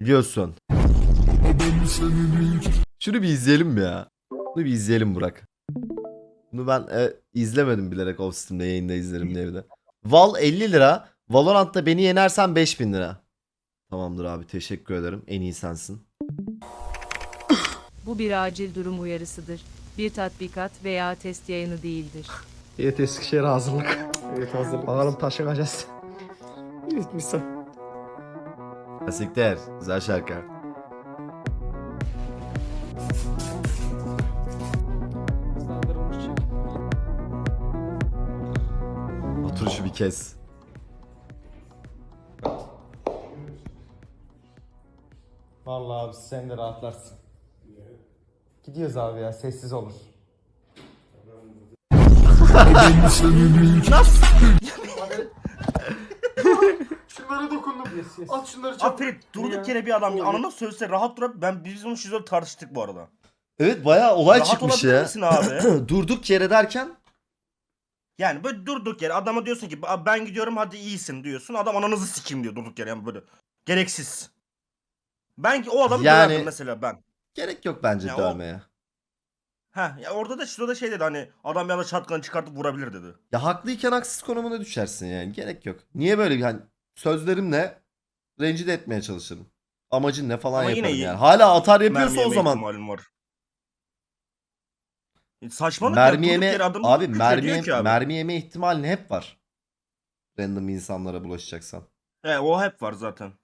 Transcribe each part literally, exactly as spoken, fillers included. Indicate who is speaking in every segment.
Speaker 1: Biliyorsun. Şunu bir izleyelim mi ya? Bunu bir izleyelim Burak. Bunu ben e, izlemedim bilerek off Steam'de yayında izlerim diye bir de. Val elli lira. Valorant'ta beni yenersen beş bin lira. Tamamdır abi, teşekkür ederim. En iyi sensin.
Speaker 2: Bu bir acil durum uyarısıdır. Bir tatbikat veya test yayını değildir.
Speaker 3: Evet, Eskişehir'e hazırlık.
Speaker 4: Evet hazırlık.
Speaker 3: Bakalım taşınacağız.
Speaker 4: Evet misal.
Speaker 1: Asikler. Güzel şarkı. Otur şu bir kez.
Speaker 4: Vallahi abi sen de rahatlarsın. Gidiyoruz abi ya, sessiz olur. Şunlara dokundum.
Speaker 3: Yes, yes.
Speaker 4: At şunları çabuk.
Speaker 5: Aferin durduk yere bir adam anana sözse rahat dur. Ben biz onu şizol tartıştık bu arada.
Speaker 1: Evet, bayağı olay
Speaker 5: Rahat
Speaker 1: çıkmış
Speaker 5: olabilir
Speaker 1: ya.
Speaker 5: misin abi?
Speaker 1: Durduk yere derken
Speaker 5: Yani böyle durduk yere adama diyorsun ki "Abi ben gidiyorum hadi iyisin" diyorsun. Adam ananızı sikeyim diyor durduk yere yani böyle. Gereksiz. Ben ki o adamı
Speaker 1: Yani-
Speaker 5: döverdim mesela ben.
Speaker 1: gerek yok bence
Speaker 5: Ya o-
Speaker 1: dövmeye.
Speaker 5: Ha ya orada da şurada da şey dedi hani adam bir anda şatkanı çıkartıp vurabilir dedi.
Speaker 1: Ya haklıyken haksız konumuna düşersin yani. Gerek yok. Niye böyle bir hani sözlerimle rencide etmeye çalışırım. Amacın ne falan
Speaker 5: Ama yine
Speaker 1: yaparım
Speaker 5: iyi-
Speaker 1: yani. Hala atar yapıyorsa
Speaker 5: Mermi
Speaker 1: o
Speaker 5: yeme
Speaker 1: zaman.
Speaker 5: ihtimalin var. E, Saçmalık ya,
Speaker 1: Mermi
Speaker 5: durduk
Speaker 1: yeme
Speaker 5: yere adam
Speaker 1: abi
Speaker 5: küfür
Speaker 1: mermi
Speaker 5: ediyor
Speaker 1: yeme,
Speaker 5: ki abi.
Speaker 1: mermi yeme ihtimalin hep var. Random insanlara bulaşacaksan.
Speaker 5: He, o hep var zaten.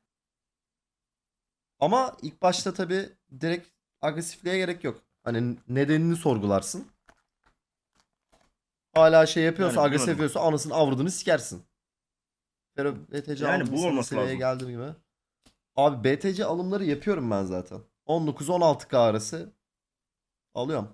Speaker 1: Ama ilk başta tabii direkt agresifliğe gerek yok. Hani nedenini sorgularsın. Hala şey yapıyorsa,
Speaker 5: Yani
Speaker 1: agresif
Speaker 5: bilemedim.
Speaker 1: yapıyorsa anasını avradını sikersin. Pero B T C
Speaker 5: Yani
Speaker 1: aldım
Speaker 5: bu
Speaker 1: sana
Speaker 5: olması
Speaker 1: seviyeye
Speaker 5: lazım.
Speaker 1: geldiğim gibi. Abi B T C alımları yapıyorum ben zaten. on dokuz on altı K arası alıyorum.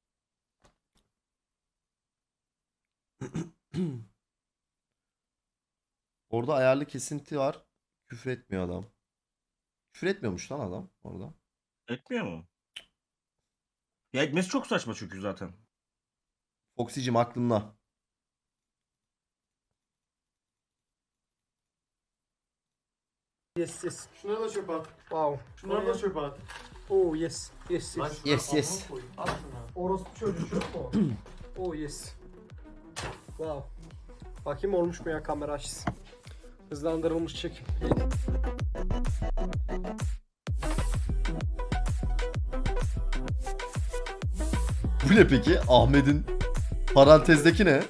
Speaker 1: Orada ayarlı kesinti var. Küfür etmiyor adam. Küfür etmiyormuş lan adam orada.
Speaker 5: Etmiyor mu? Ya etmesi çok saçma çünkü zaten.
Speaker 1: Foxy'cim aklımda.
Speaker 3: Yes, yes.
Speaker 4: Şunları da çöpe at.
Speaker 3: Wow.
Speaker 4: Şunları da çöpe at.
Speaker 3: Oh yes. Yes,
Speaker 4: Lan
Speaker 3: yes.
Speaker 4: şunları
Speaker 1: Yes, yes.
Speaker 4: alnına koy. At şunu.
Speaker 3: Orospu çocuğu çok mu? Oh yes. Wow. Bakayım olmuş mu ya, kamera açsın. Hızlandırılmış çekim.
Speaker 1: Bu ne peki? Ahmet'in parantezdeki ne?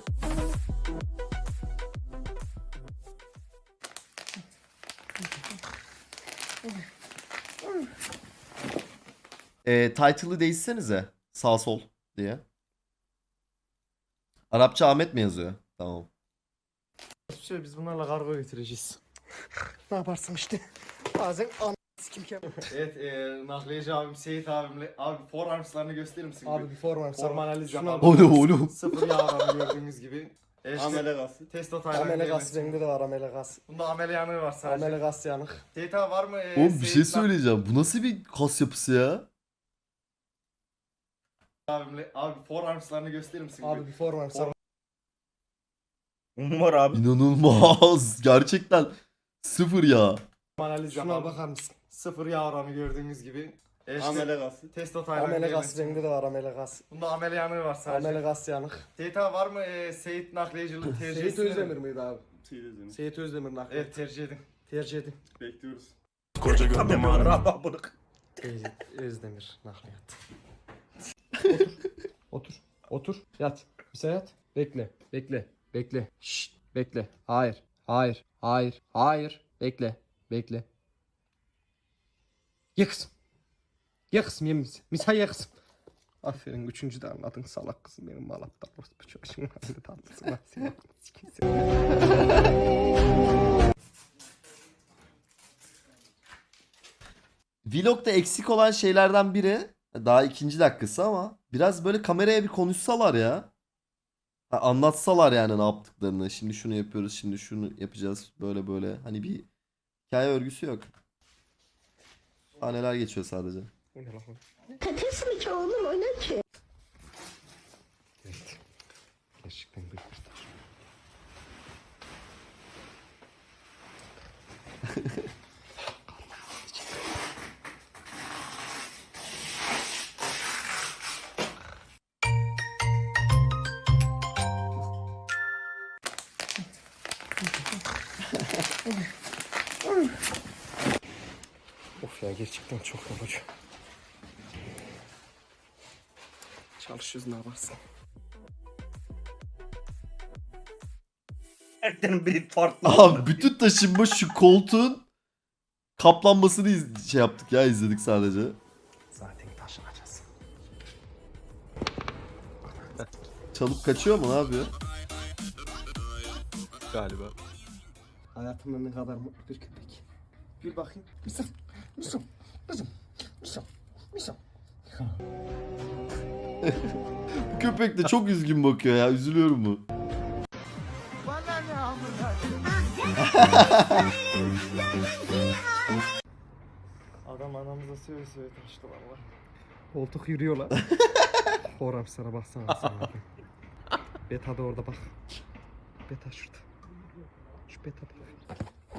Speaker 1: Ee, title'ı değişsenize. Sağ sol diye. Arapça Ahmet mi yazıyor? Tamam.
Speaker 4: Şey, biz bunlarla kargo getireceğiz.
Speaker 3: Ne yaparsın işte. Bazen an kim kim.
Speaker 4: Evet, e, nakliyeci abim Seyit abimle. Abi forearms'larını gösterir misin?
Speaker 3: Abi bir form var.
Speaker 4: form analiz
Speaker 3: Şuna
Speaker 4: yapalım.
Speaker 3: bak.
Speaker 1: Oğlum oğlum.
Speaker 4: Sıfır yağ var gördüğünüz gibi. Evet,
Speaker 5: Amele gası.
Speaker 4: Testo taylan.
Speaker 3: Amele gaz renginde de var, amele gaz.
Speaker 4: Bunda amele yanığı var sadece.
Speaker 3: Amele gaz yanık.
Speaker 4: Seyit abi var mı? E,
Speaker 1: Oğlum bir şey
Speaker 4: Seyit
Speaker 1: söyleyeceğim. Bu nasıl bir kas yapısı ya?
Speaker 4: Abimle. Abi forearms'larını gösterir misin?
Speaker 3: Abi bir form var.
Speaker 4: Form-
Speaker 5: Var abi.
Speaker 1: İnanılmaz. Gerçekten sıfır ya.
Speaker 4: analiz
Speaker 3: Şuna
Speaker 4: yapalım.
Speaker 3: bakar mısın?
Speaker 4: Sıfır yağ oranı gördüğünüz gibi. Evet,
Speaker 5: Amele gası.
Speaker 4: Testo taylan.
Speaker 3: Amele
Speaker 4: diyelim.
Speaker 3: gaz renginde de var, amele gaz.
Speaker 4: Bunda amele yanığı var sadece.
Speaker 3: Amele gaz yanık.
Speaker 4: Seyit abi var mı? E, Seyit nakliyecilik tercih
Speaker 3: Seyit
Speaker 4: etsene.
Speaker 3: Özdemir miydi abi? Seyit Özdemir nakli.
Speaker 4: Evet, tercih edin.
Speaker 3: Tercih edin.
Speaker 4: Bekliyoruz.
Speaker 5: Tabii mağara abi bunu.
Speaker 3: Seyit Özdemir nakliyat. Otur. Otur. Otur. Yat. Bir sen yat. Bekle. Bekle. Bekle. Şşt. Bekle. Hayır. Hayır. Hayır. Hayır. Bekle. Bekle. Ye kızım. Ye kızım, ye mis. Misa ye kızım. Aferin, üçüncü de anladın salak kızım benim, malapta orospu çocuğun halinde tatlısın lan seni. Sikin seni.
Speaker 1: Vlog'da eksik olan şeylerden biri, daha ikinci dakikası ama biraz böyle kameraya bir konuşsalar ya. Ha, anlatsalar yani ne yaptıklarını. Şimdi şunu yapıyoruz, şimdi şunu yapacağız. Böyle böyle. Hani bir hikaye örgüsü yok. Sahneler geçiyor sadece.
Speaker 3: O ne lan?
Speaker 6: Patates mi ki oğlum, o ne ki?
Speaker 3: Evet. Gerçekten büyük bir taş. Of ya gerçekten çok yorucu. Çalışıyoruz ne yaparsın?
Speaker 5: Erkeklerin biri farklı.
Speaker 1: Abi bütün taşınma şu koltuğun kaplanmasını iz- şey yaptık ya, izledik sadece.
Speaker 3: Zaten taşınacağız.
Speaker 1: Çalıp kaçıyor mu, ne yapıyor?
Speaker 3: Galiba. Hayatımda ne kadar mutlu bir köpek. Gül bakayım. Misal. Misal. Misal. Misal. Misal.
Speaker 1: Bu köpek de çok üzgün bakıyor ya, üzülüyorum bu.
Speaker 4: Adam anamıza söve söve taştı valla.
Speaker 3: Koltuk yürüyor lan. Horam sana baksana sen. Beta da orada bak. Beta şurada. Şu beta bak.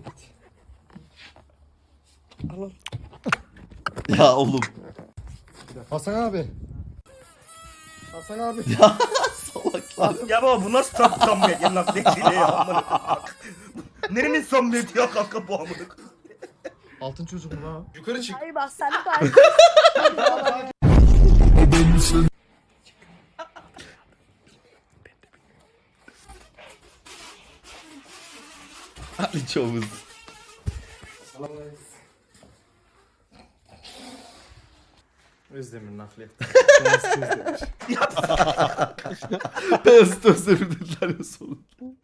Speaker 3: Al al.
Speaker 1: Ya oğlum.
Speaker 3: Hasan abi. Hasan abi.
Speaker 1: Salaklar.
Speaker 5: Ya baba bu nasıl tam samimiyet ya lan ne ya amına. Nerenin samimiyeti ya kanka bu amına.
Speaker 3: Altın çocuk mu lan? Yukarı çık.
Speaker 6: Hayır bak sen de
Speaker 1: Ali Çavuz.
Speaker 4: Özdemir nakliyat.
Speaker 1: Beyaz Özdemir dediler ya sonunda.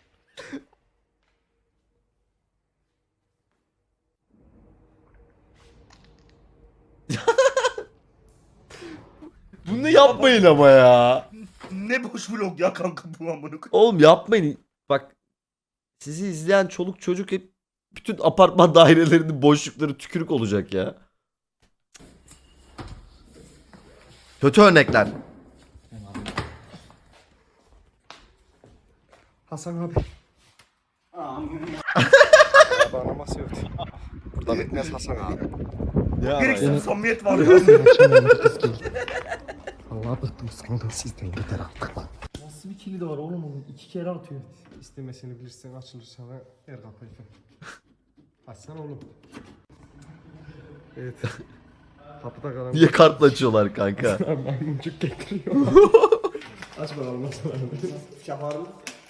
Speaker 1: Bunu yapmayın ama ya.
Speaker 5: Ne boş vlog ya kanka bu amına.
Speaker 1: Oğlum yapmayın. Bak, sizi izleyen çoluk çocuk hep bütün apartman dairelerinin boşlukları tükürük olacak ya. Kötü örnekler.
Speaker 3: Hasan abi. Abi anama sövdü. Burada bitmez Hasan abi.
Speaker 5: Gereksiz samimiyet var ya.
Speaker 3: Allah bıktım sandım sizden yeter artık lan.
Speaker 4: Nasıl bir kilidi var oğlum onun? İki kere atıyor.
Speaker 3: İstemesini bilirsen açılır sana her kapıyı. Açsana oğlum. Evet. Kapıda kalan
Speaker 1: Niye kartla açıyorlar kanka?
Speaker 3: maymuncuk getiriyor. Aç bakalım nasıl var. Şafarlı.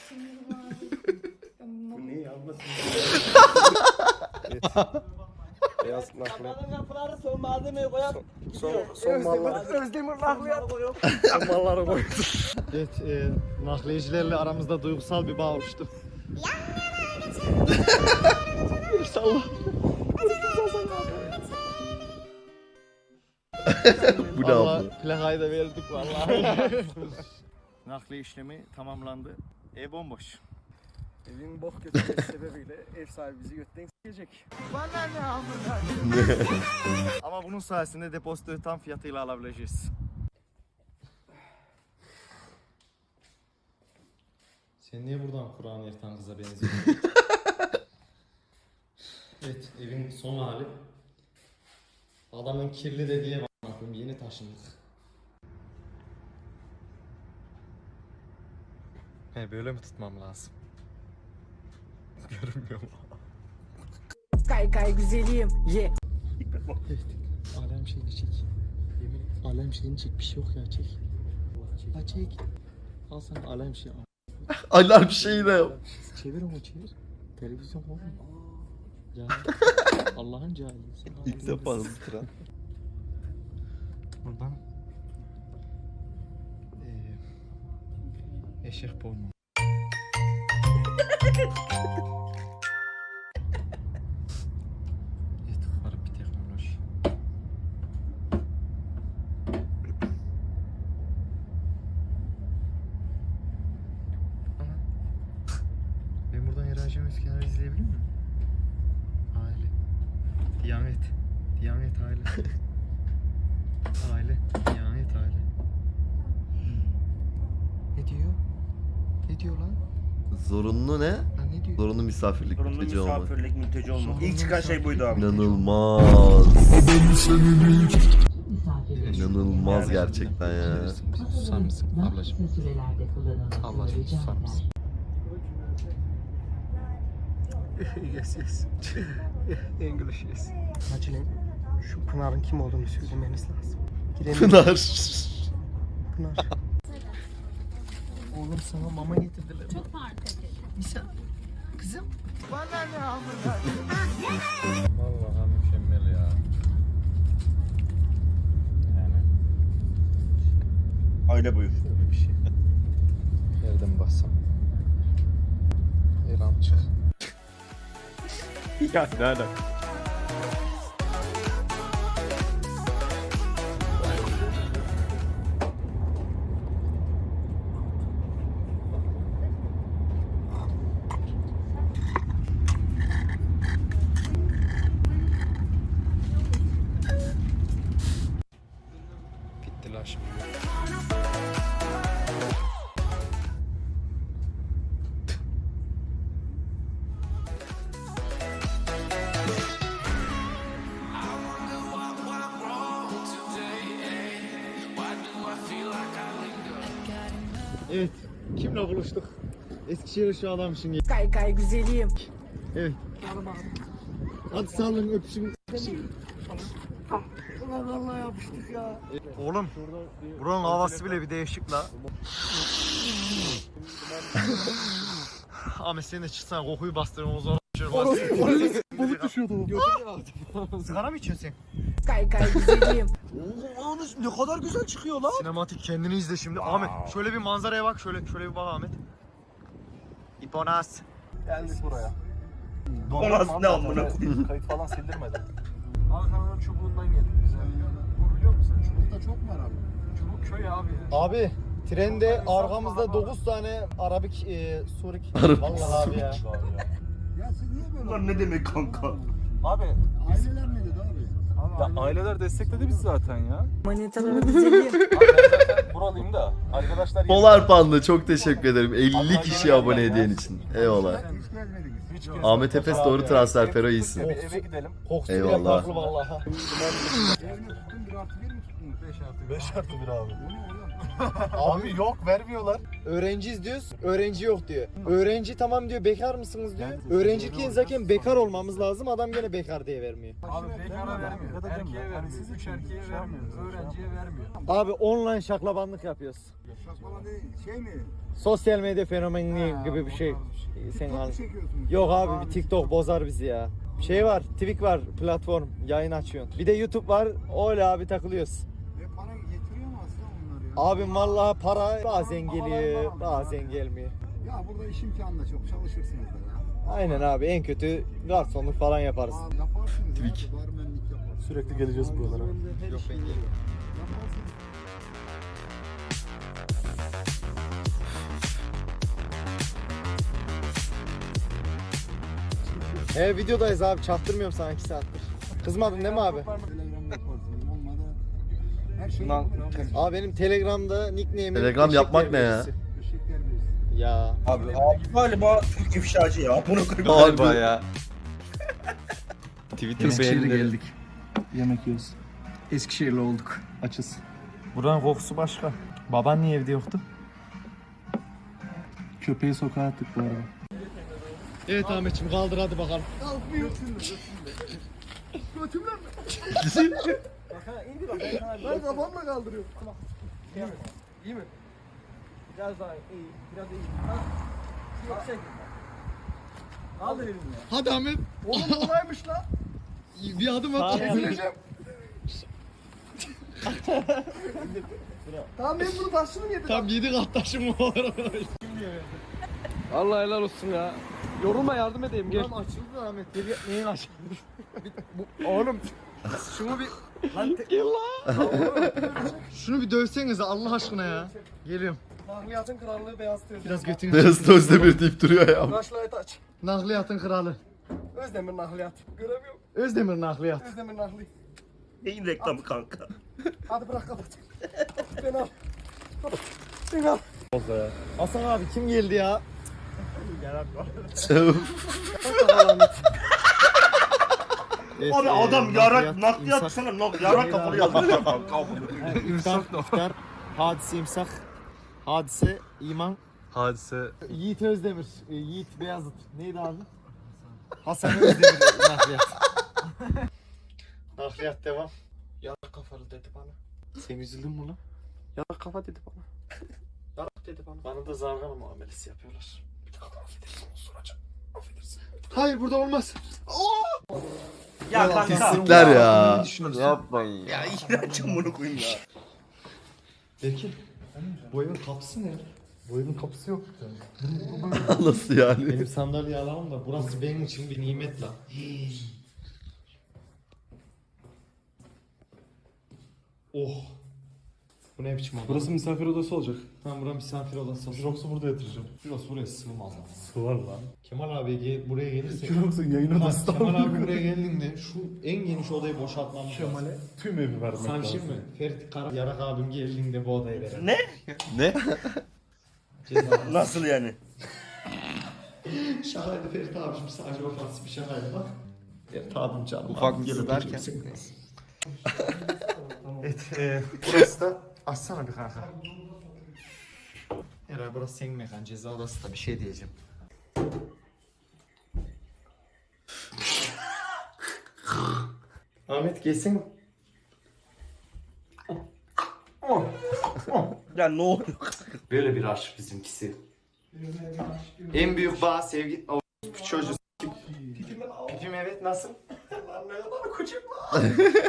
Speaker 3: Bu ne ya? Evet. Beyaz nakliye.
Speaker 7: Kapıları son malzemeyi koyar.
Speaker 3: Son, son mallar. Özdemir nakliyat. Son malları koydum.
Speaker 4: Evet, e, nakliyecilerle aramızda duygusal bir bağ oluştu.
Speaker 1: İnşallah. Bu ne
Speaker 4: Vallahi
Speaker 1: yaptı?
Speaker 4: plakayı da verdik vallahi.
Speaker 8: Nakliye işlemi tamamlandı. Ev bomboş.
Speaker 3: Evin bok götürmesi sebebiyle ev sahibi bizi götten s**ecek.
Speaker 8: Ama bunun sayesinde depozitoyu tam fiyatıyla alabileceğiz.
Speaker 4: Sen niye buradan Kur'an yırtan kıza benziyorsun? Evet, evin son hali. Adamın kirli dediği bakın yeni taşındık. He böyle mi tutmam lazım? Görünmüyor mu?
Speaker 7: Kay kay güzelim. Ye.
Speaker 4: Alem şeyini çek. Yemin et. Alem şeyini çek. Bir şey yok ya çek. Ha çek. Al sana alem şey.
Speaker 1: Alarm şeyi de yok.
Speaker 4: Çevir onu çevir. Televizyon oğlum. Ya Allah'ın cahili.
Speaker 1: İlk defa hızlı.
Speaker 4: Buradan eee eşek porno. Evet, garip bir teknoloji. Ana. Ben buradan Erancı Meskenleri izleyebilir miyim? Aile. Diyanet. Diyanet aile. Aile. Diyanet aile. Ne diyor? Ne diyor lan?
Speaker 1: Zorunlu ne?
Speaker 4: Lan ne diyor?
Speaker 1: Zorunlu misafirlik
Speaker 5: Zorunlu
Speaker 1: mülteci olmak.
Speaker 5: misafirlik mülteci olmak. İlk çıkan şey buydu abi.
Speaker 1: İnanılmaz. İnanılmaz gerçekten ya.
Speaker 4: Susar mısın ablacığım? Ablacığım susar mısın?
Speaker 3: Yes yes. English yes. Acilen şu Pınar'ın kim olduğunu söylemeniz lazım. Giremiyorum.
Speaker 1: Pınar.
Speaker 3: Pınar. Oğlum sana mama getirdiler.
Speaker 9: Çok fark ediyor.
Speaker 3: Nisa. Kızım. Bana ne amına?
Speaker 4: Vallahi mükemmel ya. Yani
Speaker 5: Aile boyu.
Speaker 4: böyle bir şey. Nereden bassam? Her an çık. Ya ne alaka? Bitti la şimdi. Evet. Kimle buluştuk? Eskişehir şu adam şimdi.
Speaker 7: Kay kay güzelim.
Speaker 4: Evet. Hadi sağ öpüşün.
Speaker 8: Oğlum buranın havası bile bir değişik la. Ahmet sen de çıksana kokuyu bastırın o zaman.
Speaker 4: Balık düşüyordu.
Speaker 8: Sigara mı içiyorsun sen?
Speaker 7: Kay kay güzelim.
Speaker 8: Oo, ne kadar güzel çıkıyor lan. Sinematik kendini izle şimdi. Ahmet şöyle bir manzaraya bak. Şöyle şöyle bir bak Ahmet. İponas.
Speaker 4: Geldik buraya.
Speaker 5: O nasıl ne amına koyayım?
Speaker 4: Kayıt falan sildirmedi. Ankara'nın çubuğundan geldik biz abi. Bu biliyor musun? Çubukta çok var abi. Çubuk köy abi ya.
Speaker 8: Abi trende arkamızda dokuz tane Arabik e, Surik. Vallahi abi ya.
Speaker 5: Bunlar ne demek kanka?
Speaker 4: Abi
Speaker 10: Aileler ne dedi abi?
Speaker 4: ya aileler destekledi biz zaten ya.
Speaker 7: Manitaları güzelim.
Speaker 4: Abi ben zaten buralıyım da arkadaşlar
Speaker 1: Polar Panda çok teşekkür ederim. elli kişi abone hediyen için. Eyvallah.
Speaker 10: Hiç gezmediniz.
Speaker 4: hiç gezmedim.
Speaker 1: Ahmet Efes doğru transfer Fero iyisin.
Speaker 4: Bir eve gidelim.
Speaker 8: Kokusu
Speaker 1: Eyvallah.
Speaker 8: bile farklı vallahi.
Speaker 10: Ev mi tuttun? Bir artı bir mi tuttunuz?
Speaker 4: beş artı beş artı bir abi.
Speaker 10: O ne oğlum?
Speaker 4: Abi yok vermiyorlar.
Speaker 8: Öğrenciyiz diyoruz, öğrenci yok diyor. Öğrenci tamam diyor, bekar mısınız diyor. Öğrenciyken zaten bekar olmamız lazım, adam gene bekar diye vermiyor.
Speaker 4: Abi bekara vermiyor. Erkeğe vermiyor. Üç erkeğe vermiyor. Öğrenciye vermiyor.
Speaker 8: Abi online şaklabanlık yapıyoruz.
Speaker 10: Şaşmalan değil. Şey mi?
Speaker 8: Sosyal medya fenomeni gibi bir şey. Sen
Speaker 10: TikTok
Speaker 8: al.
Speaker 10: mu çekiyorsunuz?
Speaker 8: Yok abi bir TikTok bozar bizi ya. Şey var, Twitch var, platform, yayın açıyorsun. Bir de YouTube var, öyle abi takılıyoruz.
Speaker 10: Ve para getiriyor mu aslında onlar ya?
Speaker 8: Abim vallahi para bazen geliyor, bazen gelmiyor.
Speaker 10: Ya burada iş imkanı da çok. Çalışırsınız da ya.
Speaker 8: Aynen abi, en kötü garsonluk falan yaparız.
Speaker 10: Abi yaparsınız
Speaker 1: Twitch.
Speaker 10: ya. Barmenlik yaparsınız.
Speaker 4: Sürekli geleceğiz buralara.
Speaker 8: Yok ben geliyorum.
Speaker 10: Yaparsınız.
Speaker 8: He videodayız abi, çaktırmıyorum sana iki saattir. Kızmadın değil mi abi?
Speaker 10: Telegram'da yaparsınız. Olmadı. Her şey
Speaker 3: Lan,
Speaker 10: yapılır abi.
Speaker 8: Abi benim Telegram'da nickname'im
Speaker 1: Telegram
Speaker 8: Eşek
Speaker 1: yapmak ne ya?
Speaker 8: Terbiyesi.
Speaker 10: Eşek terbiyesi.
Speaker 8: Ya.
Speaker 5: Abi, abi galiba Türk ifşacı ya. Bunu koyayım.
Speaker 1: Galiba
Speaker 4: ya. Twitter
Speaker 3: Eskişehir'e
Speaker 4: beğenileri.
Speaker 3: geldik. Yemek yiyoruz. Eskişehirli olduk. Açız.
Speaker 4: Buranın kokusu başka. Baban niye evde yoktu?
Speaker 3: Köpeği sokağa attık bu arada.
Speaker 8: Evet Ahmetciğim kaldır hadi bakalım.
Speaker 10: Ben kafamla kaldırıyorum.
Speaker 3: İyi mi? Biraz daha iyi. Biraz iyi. Ha? Yüksek. Kaldır elini ya.
Speaker 8: Hadi Ahmet.
Speaker 10: Oğlum kolaymış lan.
Speaker 8: Bir adım at.
Speaker 10: Ezileceğim. Tamam ben bunu taşını yedim.
Speaker 8: Tam yedi kat taşım var.
Speaker 3: Allah helal olsun ya. Yorulma yardım edeyim gel.
Speaker 8: Tam açıldı Ahmet. Gel neyin açıldı?
Speaker 3: Oğlum şunu bir lan te-
Speaker 8: Şunu bir dövsenize Allah aşkına ya. Geliyorum.
Speaker 3: nakliyatın krallığı beyaz tüy.
Speaker 8: Biraz götünü
Speaker 1: Beyaz Özdemir deyip duruyor ya.
Speaker 3: Flashlight aç.
Speaker 8: Nakliyatın kralı.
Speaker 3: Özdemir nakliyat. Göremiyorum.
Speaker 8: Özdemir nakliyat.
Speaker 3: Özdemir nakli.
Speaker 5: Neyin reklamı kanka?
Speaker 3: Hadi bırak kapat. Ben al. Kapat. Ben al.
Speaker 8: Hasan abi kim geldi ya? Evet,
Speaker 5: Abi
Speaker 8: e,
Speaker 5: adam yarak
Speaker 8: nakliyat,
Speaker 5: nakliyat
Speaker 8: imsak-
Speaker 5: sana nak yarak kafalı yazmış kanka.
Speaker 8: İftar, iftar, hadise imsak, hadise iman,
Speaker 4: Hadise.
Speaker 8: Yiğit Özdemir, e, Yiğit Beyazıt. Neydi abi? Hasan Özdemir nakliyat. Nakliyat devam.
Speaker 3: Yarak kafalı dedi bana. Sen üzüldün mü lan? Yarak kafa dedi bana. Yarak dedi bana.
Speaker 8: Bana da zargana muamelesi yapıyorlar.
Speaker 3: Bir dakika affedersin osuracağım. Affedersin.
Speaker 8: Hayır burada olmaz.
Speaker 5: Ya kanka.
Speaker 1: Pislikler ya.
Speaker 8: Yapmayın
Speaker 5: Ya iğrenç bunu koyayım ya.
Speaker 8: Peki. Bu evin kapısı ne? Bu evin kapısı yok.
Speaker 1: Nasıl yani?
Speaker 8: Benim sandalyeyi alalım da burası benim için bir nimet lan. Oh. Bu ne biçim oda?
Speaker 3: Burası misafir odası olacak.
Speaker 8: Ben buraya misafir odası olsun.
Speaker 3: Yoksa burada yatıracağım.
Speaker 8: Burası buraya sığmaz ama.
Speaker 3: Sığar lan.
Speaker 8: Kemal abi gel, buraya gelirse...
Speaker 3: Yoksa yayın
Speaker 8: Ha,
Speaker 3: odası da
Speaker 8: Kemal abi buraya geldiğinde şu en geniş odayı boşaltmam lazım.
Speaker 3: Kemal'e tüm evi vermek
Speaker 8: Sana bir
Speaker 3: lazım.
Speaker 8: şey mi? Ferit Kara, Yarak abim geldiğinde bu odayı verelim.
Speaker 5: Ne?
Speaker 1: Ne?
Speaker 8: Ceza.
Speaker 5: Nasıl yani?
Speaker 8: Şakaydı Ferit abim, sadece ofansif bir şakaydı bak. Ferit abim canım.
Speaker 1: Ufak
Speaker 8: abim
Speaker 1: bir
Speaker 8: gelip
Speaker 1: derken.
Speaker 8: otursun.
Speaker 3: Evet, e, burası da açsana bir kanka.
Speaker 8: Herhalde burası senin mekan, ceza odası da bir şey diyeceğim. Ahmet gelsin.
Speaker 5: Ya ne oluyor?
Speaker 8: Böyle bir aşk bizimkisi. En büyük bağ sevgi... O çocuğu s**kim. Pipim evet nasıl? Lan ne kadar küçük lan.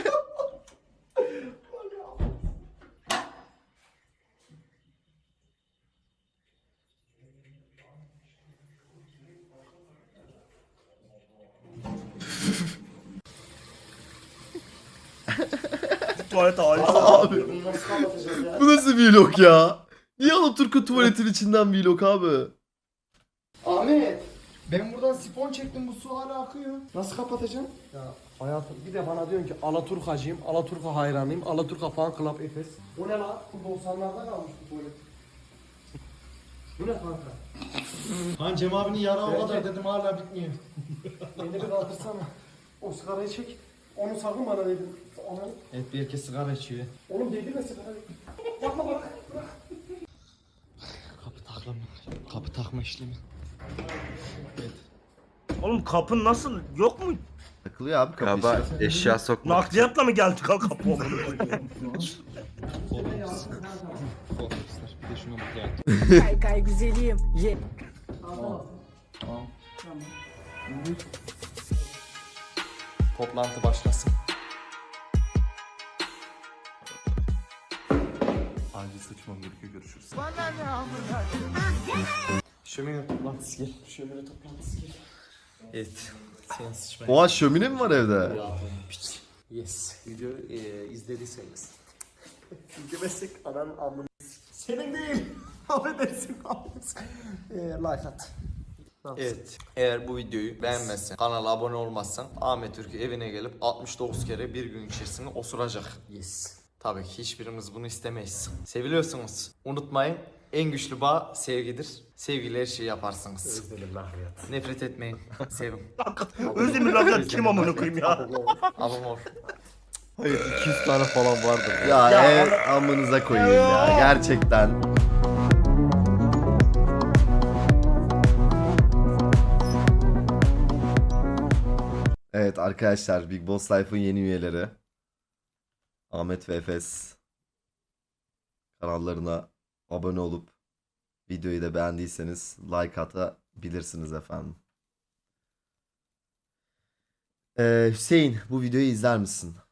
Speaker 5: Tuvalet hali.
Speaker 1: Abi
Speaker 8: Bunu nasıl kapatacağız ya?
Speaker 1: bu nasıl vlog ya? Niye Alaturka tuvaletin içinden vlog abi?
Speaker 8: Ahmet! Ben buradan sifon çektim, bu su hala akıyor. Nasıl kapatacağım?
Speaker 3: Ya hayatım bir de bana diyorsun ki Alaturkacıyım, Alaturka hayranıyım, Alaturka Fan Club Efes.
Speaker 8: Bu ne lan? Bu doksanlarda kalmış bu tuvalet.
Speaker 3: Bu ne kanka?
Speaker 8: Lan Cem abinin yarağı o
Speaker 3: Evet.
Speaker 8: kadar dedim hala bitmiyor.
Speaker 3: Beni bir kaldırsana. O sigarayı çek. Onu sakın bana dedim. Onu...
Speaker 8: Evet bir herkes sigara içiyor.
Speaker 3: Oğlum değdirme sigarayı. Yapma bak.
Speaker 8: Kapı taklama. Kapı takma işlemi.
Speaker 5: Oğlum kapın nasıl? Yok mu?
Speaker 1: Takılıyor abi kapı
Speaker 9: Galiba
Speaker 1: işte.
Speaker 9: eşya sokmak.
Speaker 5: Nakliyatla mı geldi kanka kapı?
Speaker 8: Korkuslar. Bir de şuna bak ya.
Speaker 7: Kay kay güzelim. Ye.
Speaker 8: Toplantı başlasın.
Speaker 3: Acil sıçmam gerekiyor, görüşürüz.
Speaker 8: Şömine toplantısı gel. Şömine toplantısı gel. Evet. Sen sıçmaya.
Speaker 1: Oha şömine mi var evde?
Speaker 8: Yes. Video e, izlediyseniz. İzlemezsek ananın amını. Senin değil. Affedersin. e, like at. Evet. Eğer bu videoyu beğenmezsen, kanala abone olmazsan Ahmet Türk'ü evine gelip altmış dokuz kere bir gün içerisinde osuracak. Yes. Tabii ki hiçbirimiz bunu istemeyiz. Seviliyorsunuz. Unutmayın. En güçlü bağ sevgidir. Sevgiyle her şeyi yaparsınız.
Speaker 3: Özledim nakliyat.
Speaker 8: Nefret etmeyin. Sevin.
Speaker 5: Özdemir nakliyat kim amına koyayım ya?
Speaker 8: Abone ol.
Speaker 9: Hayır iki yüz tane falan vardır.
Speaker 1: Ya,
Speaker 5: Ya
Speaker 1: ev amınıza koyayım ya gerçekten. Evet arkadaşlar Big Boss Life'ın yeni üyeleri Ahmet ve Efes kanallarına abone olup videoyu da beğendiyseniz like atabilirsiniz efendim. Ee, Hüseyin bu videoyu izler misin?